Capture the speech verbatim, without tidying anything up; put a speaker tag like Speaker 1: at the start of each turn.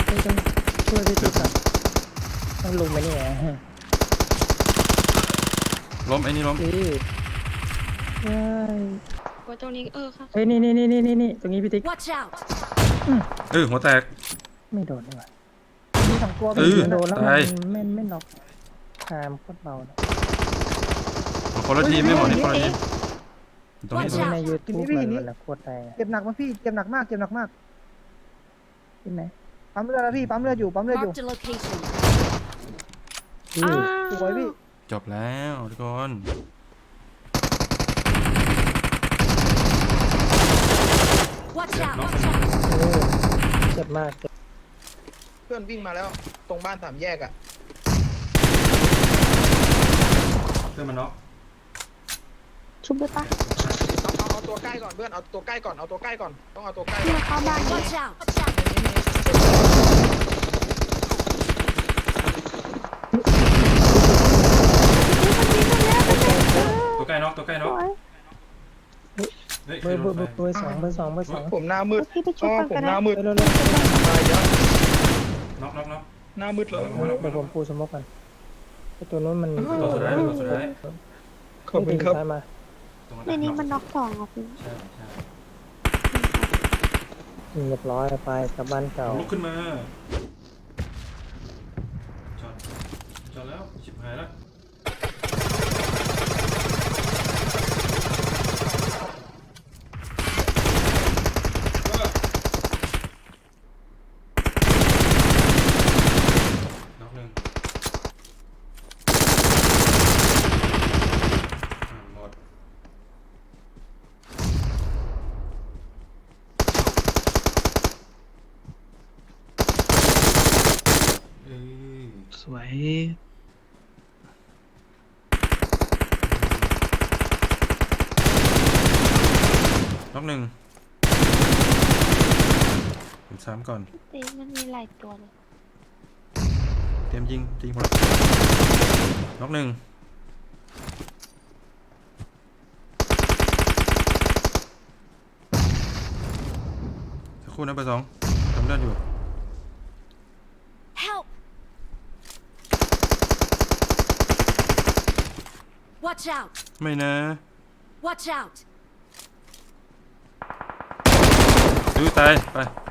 Speaker 1: ไม่ต้องช่วยพี่ติ๊กก่อนต้องลงไปนี่ไง
Speaker 2: ล้มไอ้นี่ล้ม
Speaker 1: เอ้ยเฮ้ย
Speaker 3: ว่าตรงนี้เออค่ะ
Speaker 1: เฮ้ยนี่นี่นี่นี่นี่ตรงนี้พี่ติ๊ก
Speaker 4: Watch out!
Speaker 2: เออหัวแตก
Speaker 1: ไม่โดนดีกว่ามีสองตัว
Speaker 2: เออ
Speaker 1: มันโดนแล้วมั
Speaker 2: ตาย
Speaker 1: นไม่ไม่น็อกตามโคตรเบาเลย
Speaker 2: คนละทีมไม่หมดนี่คนละทีมตรงนี้
Speaker 4: Watch
Speaker 2: ตรง
Speaker 4: out
Speaker 2: นี้
Speaker 1: ในยูทูบมันมันโคตรแรง
Speaker 5: เจ็บหนักมากพี่เจ็บหนักมากเจ็บหนักมาก
Speaker 1: ที่ไหน
Speaker 5: ปั๊มเลือดแล้วพี่ปั๊มเลือดอยู่ปั๊มเลือดอยู่
Speaker 4: Marked a location.
Speaker 1: อื
Speaker 3: อ้า
Speaker 1: อ
Speaker 5: สวยพี่
Speaker 2: จบแล้วทุกคน
Speaker 4: Watch
Speaker 2: น้อง
Speaker 4: out!
Speaker 1: เออเจ็บมากเจ็บ
Speaker 6: เพื่อนวิ่งมาแล้วตรงบ้านสามแยกอ่ะ
Speaker 2: เพื่อนมันน็อก
Speaker 3: ชุบได้ปะ
Speaker 6: เอาเอาเอาตัวใกล้ก่อนเพื่อนเอาตัวใกล้ก่อนเอาตัวใกล้ก่อนต้องเอาตัวใกล้
Speaker 3: ที่
Speaker 6: ก่อน
Speaker 3: มาเข้าบ้านนี่
Speaker 4: Watch out!
Speaker 2: ตัวใกล้น็อกตัวใกล้น็อก
Speaker 3: โอ้ย
Speaker 2: เฮ้ย
Speaker 1: เบอร์เบอร์เบอร์เบอร์สองเบอร์สองเบอร์สอง
Speaker 6: ผมหน้ามืด
Speaker 3: พี่ไปชุ
Speaker 6: อ๋
Speaker 3: บ
Speaker 6: อ
Speaker 3: กัน
Speaker 6: ผม
Speaker 3: กัน
Speaker 6: ห
Speaker 3: นะ
Speaker 6: น้ามืด
Speaker 1: เร็วเร็วเร็ว
Speaker 6: ตายเยอะ
Speaker 2: น็อกน็อกน็อก
Speaker 6: หน้ามืดเลย
Speaker 1: เดี๋ยวผมปูสมกกันไอตัวนู้นมัน
Speaker 2: ตัวสุดท้ายตัวสุดท้าย
Speaker 6: ขอบคุณครับ
Speaker 1: ซ้ายมา
Speaker 2: ตรง
Speaker 3: ในนี้มันน็อกสองอ่ะพี่
Speaker 2: ใช่ใช่
Speaker 1: เรียบร้อยไปกลับบ้านเก่า
Speaker 2: ลุกขึ้นมาจอดจอดแล้วชิบหายแล้วน็อกหนึ่งหมดเอ้ย
Speaker 6: สวย
Speaker 2: น็อกหนึ่งผมซ้ำก่อน
Speaker 3: ตีมันมีหลายตัวเลย
Speaker 2: เตรียมยิงยิงพอน็อกหนึ่งสักครู่นะเบอร์สองทำเลือดอยู่
Speaker 4: Help! Watch out!
Speaker 2: ไม่นะ
Speaker 4: Watch out!
Speaker 2: ดูตาย ไป